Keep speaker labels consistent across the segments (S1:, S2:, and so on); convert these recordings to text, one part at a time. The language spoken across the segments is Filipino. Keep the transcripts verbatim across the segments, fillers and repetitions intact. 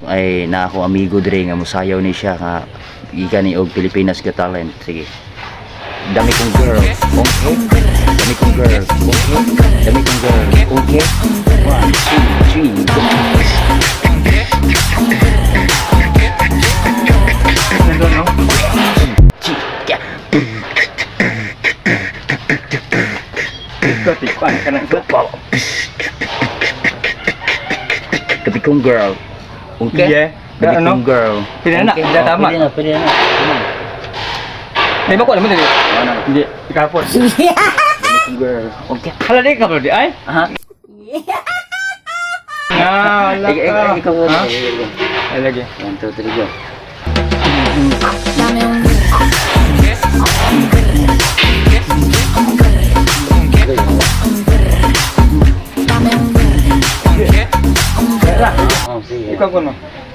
S1: Ay na ako amigo dire nga musayaw ni siya nga gikan ni og Pilipinas Got Talent. Sige. Dami kong girl. Okay. Dami kong girl. Okay. Dami kong girl. Okay. One, two, three, go.
S2: Nandun, no?
S1: Chika.
S2: Ito, tikpan ka ng ito.
S1: Dami kong girl. Okay.
S2: Yeah.
S1: Dami
S2: Ano?
S1: kong girl.
S2: Pwede na,
S1: Okay.
S2: pwede na, tama.
S1: Pwede na, pwede na. Pwede na.
S2: Ay, bako naman dito.
S1: Ano?
S2: Hindi, ikapon.
S1: Dami kong girl. Okay.
S2: Hala, di ka bro, di ay?
S1: Aha.
S2: Ah, wala
S1: Ik- ik-
S2: ka.
S1: Ikaw
S2: Ha?
S1: na.
S2: Ay, lagi.
S1: One, two, three, go. Oh, sige.
S2: Ikaw ko, no?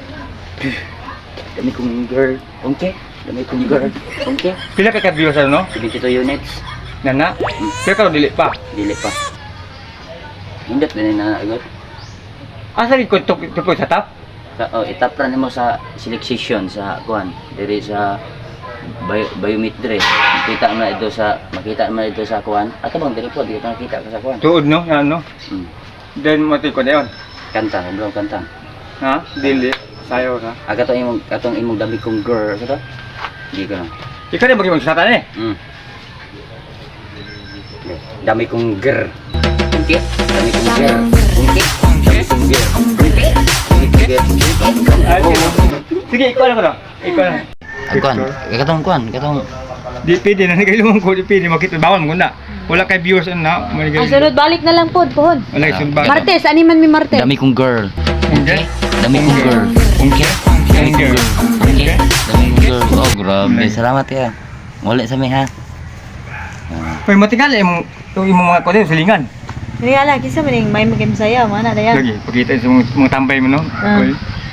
S1: Dami kong girl. Okay. Dami kong girl. Okay.
S2: Pila ka ka-viewers, ano, no?
S1: seventy-two units.
S2: Nana? Pero ka dili pa.
S1: Dili pa. Hindot na na agad.
S2: Asa rin ko tupo sa top?
S1: Sa, oh, itapran mo sa selection sa kuan. Diri sa bio, biomit dire. Makita mo na ito sa makita mo na ito sa kuan. Ato bang diri po dito nakita ka sa kuan.
S2: Tuod, no? Yan, no?
S1: Hmm.
S2: Then, mati ko na yun.
S1: Kanta, bro, kanta.
S2: Ha? Dili. Sayo ka.
S1: Aga to imong katong imong dami kong girl sa to. Di ko na.
S2: Ikaw rin mag-ibang satan eh.
S1: Mm. Dami kong girl. Okay. Dami kong girl. Okay. Dami kong girl. Okay. Dami kong girl.
S2: Ay, sige. Sige, ikaw na ko na. Ikaw na.
S1: Ang kuan, katong kuan, katong
S2: Di pwede na nagayulong ko, di pwede makita. Bawal mo na. Wala kay viewers na.
S3: Ang sunod, balik na lang po, pohon.
S2: Wala kay sunod.
S3: Martes, animan mi Martes.
S1: dami kong girl.
S2: Okay.
S1: Dami kong girl.
S2: Okay.
S1: Dami kong girl.
S2: Okay.
S1: Dami kong girl. Oh, grabe. Salamat ya. Wala sa mi ha. Ah.
S2: Pwede matingal eh, yung yung mga kote, silingan.
S3: Hindi nga lang, kisa maning may maging saya, mana na yan.
S2: Lagi, pagkita sa mga, mga tambay mo, no?
S3: Ah.
S2: Okay.